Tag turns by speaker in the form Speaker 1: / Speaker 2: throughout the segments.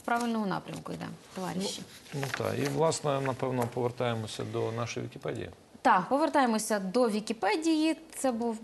Speaker 1: правильному напрямку йде, товариші.
Speaker 2: Ну так, і власне, напевно, повертаємося до нашої Вікіпедії.
Speaker 1: Так, повертаємося до Вікіпедії. Це був...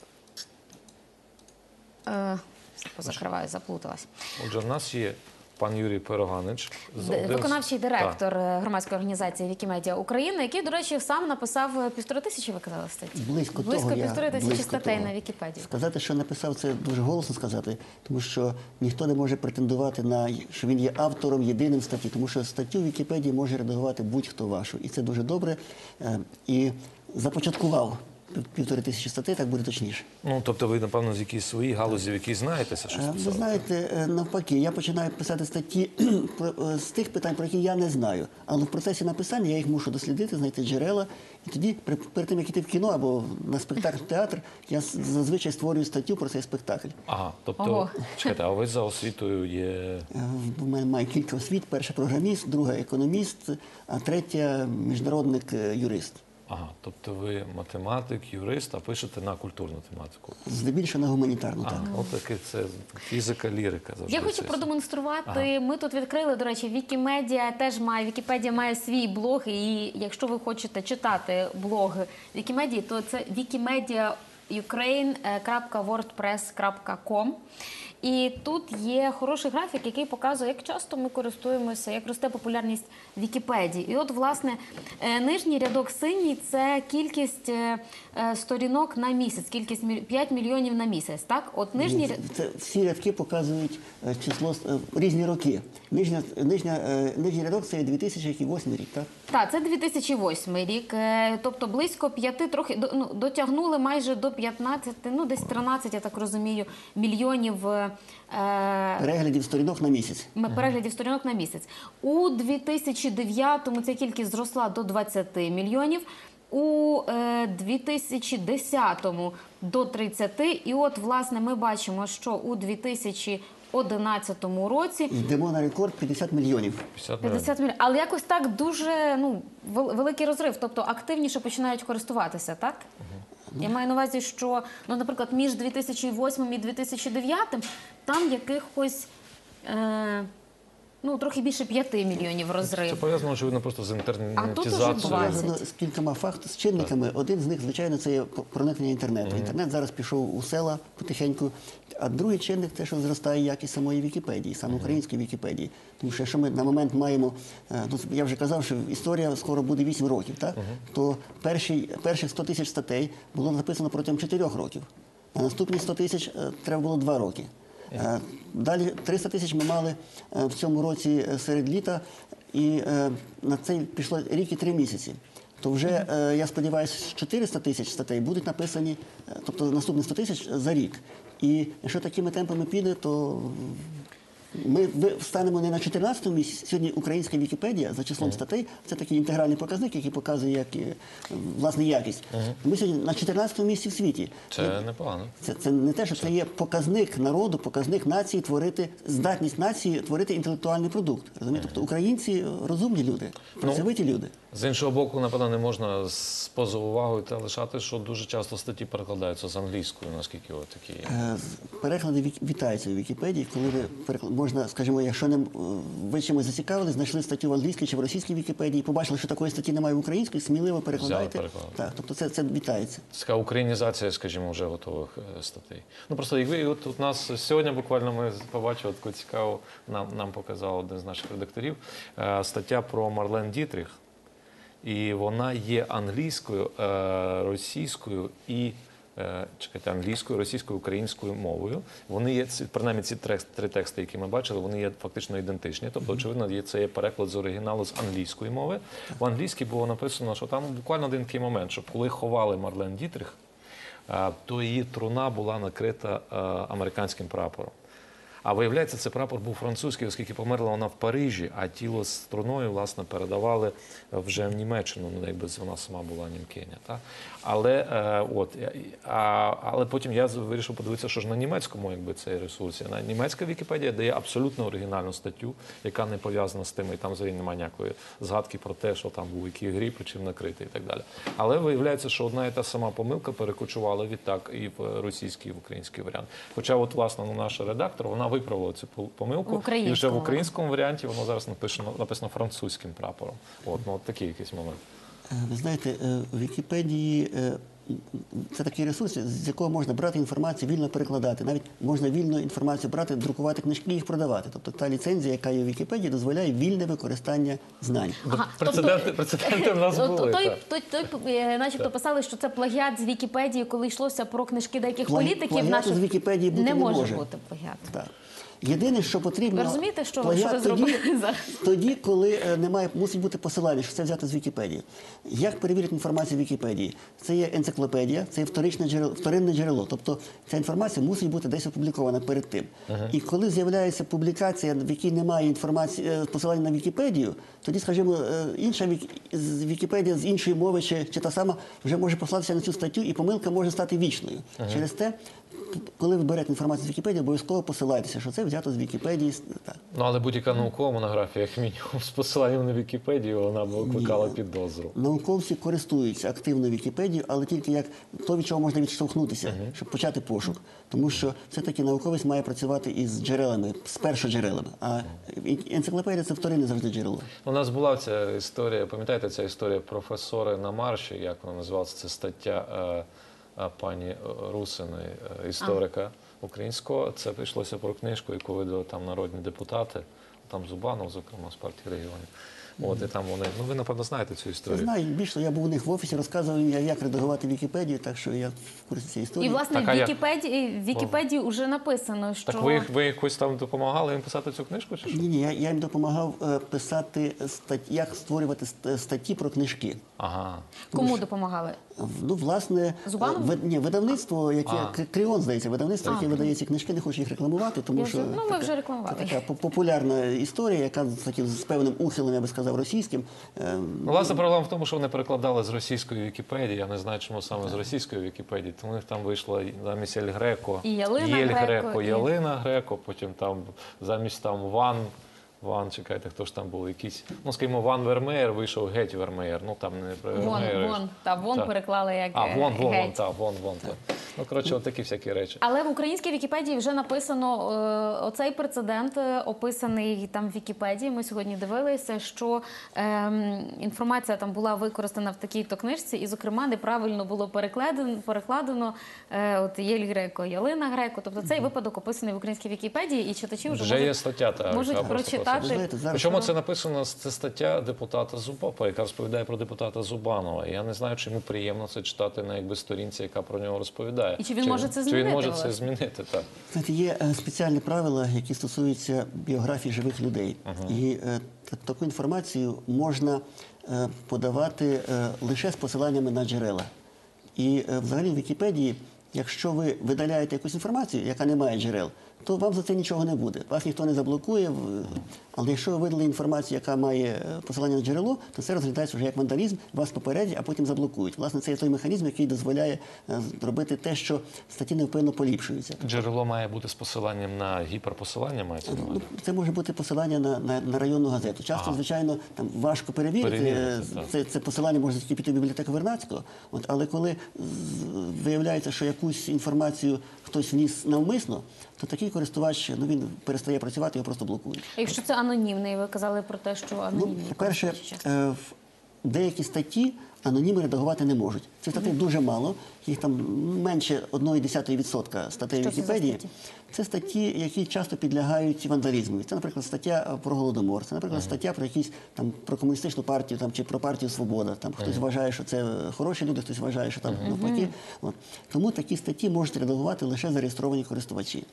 Speaker 1: Позакриваю, заплуталась.
Speaker 2: Отже, в нас є пан Юрій Пироганич.
Speaker 1: Виконавчий директор громадської організації Вікімедіа України, який, до речі, сам написав 1500, ви казали, статті?
Speaker 3: Близько
Speaker 1: 1500 статей на Вікіпедії.
Speaker 3: Сказати, що написав, це дуже голосно сказати, тому що ніхто не може претендувати на, що він є автором єдиним статті, тому що статтю в Вікіпедії може редагувати будь-хто вашу. І це дуже добре. І започаткував 1500 статей, так буде точніше.
Speaker 2: Ну, тобто ви, напевно, з якійсь своїй галузі, в якій знаєтеся, щось писали?
Speaker 3: Ви знаєте, навпаки, я починаю писати статті з тих питань, про які я не знаю. Але в процесі написання я їх мушу дослідити, знайти джерела. І тоді, перед тим, як йти в кіно або на спектакль в театр, я зазвичай створюю статтю про цей спектакль.
Speaker 2: Ага, тобто, чекайте, а ви за освітою є...
Speaker 3: У мене має кілька освіт. Перша програміст, друга економіст, а третя міжнародник-юрист.
Speaker 2: Ага, тобто ви математик, юрист, а пишете на культурну тематику.
Speaker 3: Здебільшого на гуманітарну, так.
Speaker 2: От таки це фізика, лірика.
Speaker 1: Я хочу продемонструвати. Ми тут відкрили, до речі, Вікімедіа теж має, Вікіпедія має свій блог, і якщо ви хочете читати блог Вікімедії, то це wikimediaukraine.wordpress.com. І тут є хороший графік, який показує, як часто ми користуємося, як росте популярність Вікіпедії. І от, власне, нижній рядок синій – це кількість сторінок на місяць, кількість 5 мільйонів на місяць, так? От нижній...
Speaker 3: Всі рядки показують число, різні роки. Нижній рядок – це 2008 рік, так?
Speaker 1: Так, це 2008 рік, тобто близько 5, трохи, дотягнули майже до 15, ну десь 13, я так розумію, мільйонів
Speaker 3: переглядів сторінок на місяць.
Speaker 1: Переглядів сторінок на місяць. У 2009-му ця кількість зросла до 20 мільйонів, у 2010-му до 30, і от, власне, ми бачимо, що у 2011 році...
Speaker 3: Йдемо на рекорд 50 мільйонів.
Speaker 1: 50 мільйонів. Але якось так дуже великий розрив, тобто активніше починають користуватися, так? Я маю на увазі, що, наприклад, між 2008 і 2009 там якихось, трохи більше 5 мільйонів розрив.
Speaker 2: Це пов'язано, очевидно, просто з інтернетизацією.
Speaker 1: А тут уже 20.
Speaker 3: З кількома з чинниками. Один з них, звичайно, це є проникнення інтернету. Інтернет зараз пішов у села потихеньку. А другий чинник – те, що зростає якість самої Вікіпедії, саме української Вікіпедії. Тому що якщо ми на момент маємо, я вже казав, що історія скоро буде 8 років, так? То перших 100 тисяч статей було написано протягом 4 років. А наступні 100 тисяч треба було 2 роки. Далі 300 тисяч ми мали в цьому році серед літа, і на це пішло рік і 3 місяці. То вже, я сподіваюся, 400 тисяч статей будуть написані, тобто наступні 100 тисяч за рік. І якщо такими темпами піде, то ми станемо не на 14-му місці. Сьогодні українська Вікіпедія за числом статей – це такий інтегральний показник, який показує власне якість. Ми сьогодні на 14-му місці в світі.
Speaker 2: Це непогано.
Speaker 3: Це не те, що це є показник народу, показник нації творити, здатність нації творити інтелектуальний продукт. Розумієте? Тобто українці розумні люди, працьовиті люди.
Speaker 2: З іншого боку, напевно, не можна поза увагою та лишати, що дуже часто статті перекладаються з англійською, наскільки такі є.
Speaker 3: Переклади вітаються у Вікіпедії, коли можна, скажімо, якщо ви чимось зацікавили, знайшли статтю в англійській чи в російській Вікіпедії, побачили, що такої статті немає в українській, сміливо перекладайте. Так, тобто це вітається.
Speaker 2: Це така українізація, скажімо, вже готових статей. Просто якби от у нас сьогодні буквально ми побачили таку цікаву, нам показав один з наших редакторів, стаття про Марлен Дітріх. І вона є англійською, російською і англійською, російською, українською мовою. Вони є, принаймні ці 3 тексти, які ми бачили, вони є фактично ідентичні. Тобто, очевидно, це є переклад з оригіналу з англійської мови. В англійській було написано, що там буквально один такий момент, що коли ховали Марлен Дітріх, то її труна була накрита американським прапором. А виявляється, цей прапор був французький, оскільки померла вона в Парижі, а тіло з труною, власне, передавали вже в Німеччину, якби вона сама була німкиня. Але потім я вирішив подивитися, що ж на німецькому цей ресурс. Німецька Вікіпедія дає абсолютно оригінальну статтю, яка не пов'язана з тим, і там взагалі немає ніякої згадки про те, що там був який гріб, чим накритий і так далі. Але виявляється, що одна і та сама помилка перекочувала відтак і в російський, і в український варіант. Хоча, власне, наша редактор, вона виправила цю помилку.
Speaker 1: В українському.
Speaker 2: І вже в українському варіанті воно зараз написано французьким прапором. От такий якийсь момент.
Speaker 3: Ви знаєте, в Вікіпедії це такий ресурс, з якого можна брати інформацію, вільно перекладати. Навіть можна вільно інформацію брати, друкувати книжки і їх продавати. Тобто та ліцензія, яка є в Вікіпедії, дозволяє вільне використання знань.
Speaker 1: Ага,
Speaker 2: Прецеденти в нас були.
Speaker 1: Той начебто писали, що це плагіат з Вікіпедії, коли йшлося про книжки деяких політиків.
Speaker 3: Плагіату з Вікіпедії бути
Speaker 1: не може
Speaker 3: може
Speaker 1: бути плагіат.
Speaker 3: Так. Єдине, що потрібно,
Speaker 1: Ви розумієте, що
Speaker 3: плагіат
Speaker 1: ви зробили зараз?
Speaker 3: тоді, коли мусить бути посилання, що це взято з Вікіпедії. Як перевірити інформацію в Вікіпедії? Це є енциклопедія, це є вторинне джерело. Тобто ця інформація мусить бути десь опублікована перед тим. І коли з'являється публікація, в якій немає інформації, посилання на Вікіпедію, тоді, скажімо, інша Вікіпедія з іншої мови чи та сама вже може послатися на цю статтю, і помилка може стати вічною. Через те, коли ви берете інформацію з Вікіпедії, обов'язково посилайтеся, що це взято з Вікіпедії. Так.
Speaker 2: Ну, але будь-яка наукова монографія, як мінімум, з посиланням на Вікіпедію, вона б викликала підозру.
Speaker 3: Науковці користуються активно Вікіпедією, але тільки як то, від чого можна відштовхнутися, щоб почати пошук. Тому що все-таки науковець має працювати із джерелами, з першоджерелами. А енциклопедія – це вторинне завжди джерело.
Speaker 2: У нас була ця історія, пам'ятаєте, ця історія професори на марші, як вона називалася, це стаття пані Русиної, історика українського. Це прийшлося про книжку, яку видали там народні депутати, там Зубанов, зокрема, з партії регіонів. От, і там вони, ну ви, напевно, знаєте цю історію.
Speaker 3: Я знаю, більше я був у них в офісі, розказував їм, як редагувати Вікіпедію, так що я в курсі цієї історії.
Speaker 1: І, власне,
Speaker 2: Так, а
Speaker 1: в Вікіпедії вже написано, що...
Speaker 2: Так ви якось там допомагали їм писати цю книжку, чи що?
Speaker 3: Ні, я їм допомагав писати як створювати статті про книжки.
Speaker 2: Ага.
Speaker 1: Кому допомагали?
Speaker 3: Ну, власне,
Speaker 1: Зубанову?
Speaker 3: видавництво, яке Кріон, здається, видавництво, яке видає ці книжки, не хочу їх рекламувати, тому що
Speaker 1: Ну, ми вже рекламували.
Speaker 3: це така популярна історія, яка з певним ухилом, я би сказав, російським.
Speaker 2: Ну, власне, проблема в тому, що вони перекладали з російської Вікіпедії. Я не знаю, чому саме з російської Вікіпедії. Тому у них там вийшло замість Ель Греко,
Speaker 1: І Ялина
Speaker 2: Єль
Speaker 1: Греко, і-
Speaker 2: Ялина Греко, потім там замість там Ван, чекайте, хто ж там був якийсь, ну, скажімо, Ван Вермеєр вийшов геть Вермеєр. Ну, там не про Вермеєр.
Speaker 1: Вон переклали як
Speaker 2: Вон,
Speaker 1: геть.
Speaker 2: вон. Ну, коротше, от такі всякі речі.
Speaker 1: Але в українській Вікіпедії вже написано оцей прецедент, описаний там в Вікіпедії. Ми сьогодні дивилися, що інформація там була використана в такій-то книжці, і, зокрема, неправильно було перекладено от Єль Греко, Ялина Греко. Тобто цей випадок описаний в українській Вікіпедії, і читачі вже
Speaker 2: є стаття,
Speaker 1: можуть
Speaker 2: яка просто
Speaker 1: прочитати.
Speaker 3: Ви знаєте, зараз
Speaker 2: Причому це написано, це стаття депутата Зубова, яка розповідає про депутата Зубанова. Я не знаю, чи йому приємно це читати на якби сторінці, яка про нього розповідає.
Speaker 1: І чи він може це
Speaker 2: Чи
Speaker 1: змінити,
Speaker 2: він може
Speaker 1: власне?
Speaker 2: це змінити, так.
Speaker 3: Знаєте, є спеціальні правила, які стосуються біографії живих людей. І таку інформацію можна подавати лише з посиланнями на джерела. І взагалі в Вікіпедії, якщо ви видаляєте якусь інформацію, яка не має джерел, то вам за це нічого не буде. Вас ніхто не заблокує. Але якщо ви видали інформацію, яка має посилання на джерело, то це розглядається вже як вандалізм, вас попередять, а потім заблокують. Власне, це є той механізм, який дозволяє робити те, що статті невпинно поліпшуються.
Speaker 2: Джерело має бути з посиланням на гіперпосилання, мається на увазі?
Speaker 3: Це може бути посилання на районну газету. Часто, звичайно, там важко перевірити. Це посилання може тільки піти в бібліотеку Вернадського. Але коли виявляється, що якусь інформацію хтось вніс навмисно, то такий користувач, він перестає працювати, його просто блокують.
Speaker 1: А якщо це анонімний, ви казали про те, що анонімний.
Speaker 3: По-перше, в деякі статті аноніми редагувати не можуть. Цих статей дуже мало, їх там менше 0,1% статей
Speaker 1: Що це за
Speaker 3: Вікіпедії.
Speaker 1: статті?
Speaker 3: Це статті, які часто підлягають вандалізму. Це, наприклад, стаття про Голодомор, це, наприклад, стаття про якісь там про комуністичну партію там, чи про партію Свобода. Там хтось вважає, що це хороші люди, хтось вважає, що там навпаки. Тому такі статті можуть редагувати лише зареєстровані користувачі.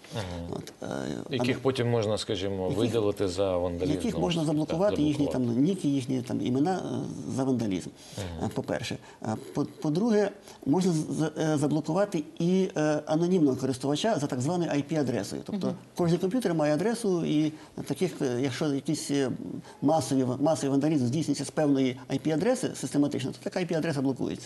Speaker 2: Яких потім можна, скажімо, видалити за вандалізм.
Speaker 3: Яких можна заблокувати, їхні там ніки, їхні там імена за вандалізм. По-перше. По-друге, можна заблокувати і анонімного користувача за так званою IP-адресою. Тобто кожен комп'ютер має адресу, і таких, якщо якийсь масовий вандалізм здійснюється з певної IP-адреси систематично, то така IP-адреса блокується.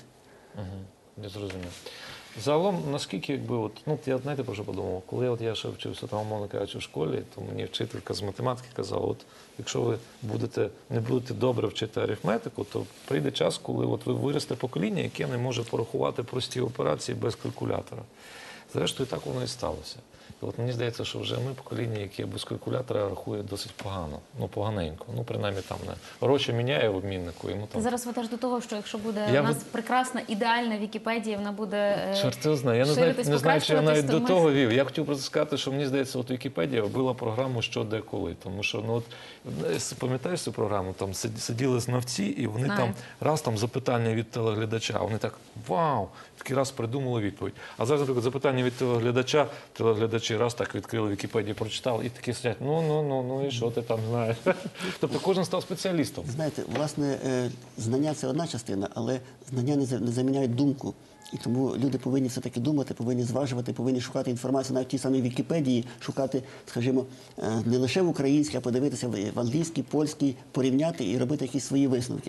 Speaker 2: Я зрозумів. Загалом, наскільки, якби, от, ну, я, знаєте, про що подумав? Коли я ще вчився, там, умовно кажучи, в школі, то мені вчителька з математики казала, от, якщо ви не будете добре вчити арифметику, то прийде час, коли от ви виросте покоління, яке не може порахувати прості операції без калькулятора. Зрештою, так воно і сталося. І от мені здається, що вже ми покоління, яке без калькулятора рахує досить погано, ну поганенько. Ну, принаймні там не гроші міняє в обміннику, йому там.
Speaker 1: Зараз ви теж до того, що якщо буде
Speaker 2: Я
Speaker 1: у нас
Speaker 2: от-
Speaker 1: прекрасна, ідеальна Вікіпедія, вона буде
Speaker 2: Чорт його знає. Я
Speaker 1: ширитись,
Speaker 2: не знаю, чи я навіть
Speaker 1: покращуватись,
Speaker 2: до
Speaker 1: то ми-
Speaker 2: того вів. Я хотів просто сказати, що мені здається, от Вікіпедія вбила програму «Що, де, коли». Тому що, ну от, пам'ятаєш цю програму, там сиділи знавці, і вони
Speaker 1: Знаю.
Speaker 2: там раз там запитання від телеглядача, вони так, вау, такий раз придумали відповідь. А зараз, наприклад, запитання від телеглядача, телеглядачі раз так відкрили Вікіпедію, прочитали, і такі сидять, ну, і що ти там знаєш? Тобто кожен став спеціалістом.
Speaker 3: Знаєте, власне, знання – це одна частина, але знання не заміняють думку. І тому люди повинні все-таки думати, повинні зважувати, повинні шукати інформацію навіть в тій самій Вікіпедії, шукати, скажімо, не лише в українській, а подивитися в англійській, польській, порівняти і робити якісь свої висновки.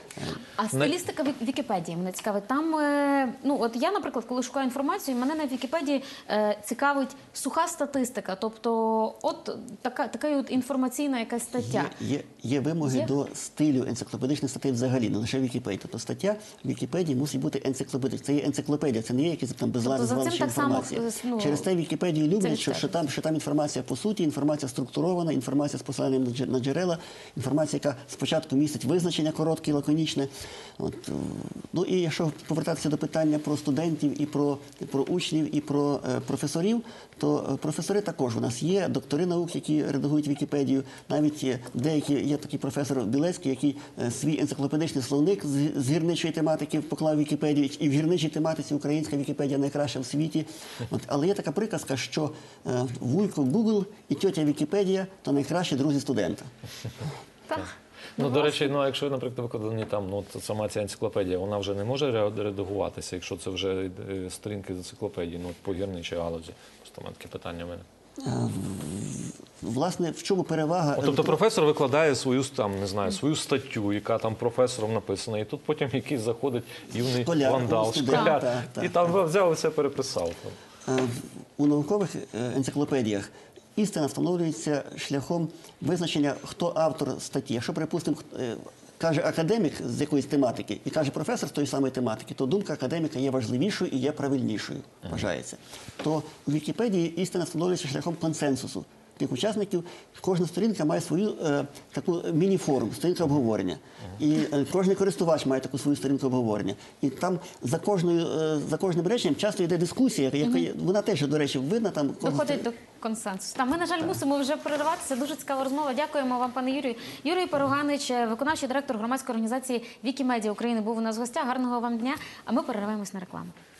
Speaker 1: А стилістика Вікіпедії мене цікавить. Там, ну от я, наприклад, коли шукаю інформацію, мене на Вікіпедії цікавить суха статистика, тобто от така от інформаційна якась стаття.
Speaker 3: Є вимоги
Speaker 1: Є?
Speaker 3: до стилю енциклопедичних статей взагалі, не лише Вікіпедії. Тобто стаття в Вікіпедії мусить бути енциклопедична. Це є енциклопедія, це не є якісь там безладне
Speaker 1: Тобто за цим
Speaker 3: звалище
Speaker 1: так само,
Speaker 3: інформації.
Speaker 1: ну,
Speaker 3: Через те Вікіпедію люблять,
Speaker 1: це
Speaker 3: що
Speaker 1: відстежується.
Speaker 3: що там інформація по суті, інформація структурована, інформація з посиланням на джерела, інформація, яка спочатку містить визначення коротке і лаконічне. От, ну і якщо повертатися до питання про студентів і про учнів і про професорів, то професори також у нас є, доктори наук, які редагують Вікіпедію, навіть є такий професор Білецький, який свій енциклопедичний словник з гірничої тематики поклав в Вікіпедію, і в гірничій тематиці українська Вікіпедія найкраща в світі. От, але є така приказка, що вуйко Google і тьотя Вікіпедія – то найкращі друзі студента.
Speaker 1: Так.
Speaker 2: Ну, до речі, ну, якщо, наприклад, викладені там, ну, от сама ця енциклопедія, вона вже не може редагуватися, якщо це вже сторінки з енциклопедії, ну, по гірничій галузі. Просто в мене таке питання в мене.
Speaker 3: Власне, в чому перевага?
Speaker 2: Тобто професор викладає свою, там, не знаю, свою статтю, яка там професором написана, і тут потім якийсь заходить юний
Speaker 3: Школяр,
Speaker 2: вандал,
Speaker 3: студент,
Speaker 2: школяр,
Speaker 3: так.
Speaker 2: і там взяв і все переписав.
Speaker 3: У наукових енциклопедіях істина встановлюється шляхом визначення, хто автор статті. Якщо, припустимо, каже академік з якоїсь тематики і каже професор з тої самої тематики, то думка академіка є важливішою і є правильнішою, вважається. То у Вікіпедії істина встановлюється шляхом консенсусу тих учасників. Кожна сторінка має свою таку міні-форум, сторінка обговорення. І кожен користувач має таку свою сторінку обговорення. І там за кожним реченням часто йде дискусія, вона теж, до речі, видна там.
Speaker 1: Доходить до консенсусу. Ми, на жаль, мусимо вже перериватися. Дуже цікава розмова. Дякуємо вам, пане Юрію. Юрій Перуганич, виконавчий директор громадської організації Вікімедія України, був у нас в гостях. Гарного вам дня. А ми перериваємось на рекламу.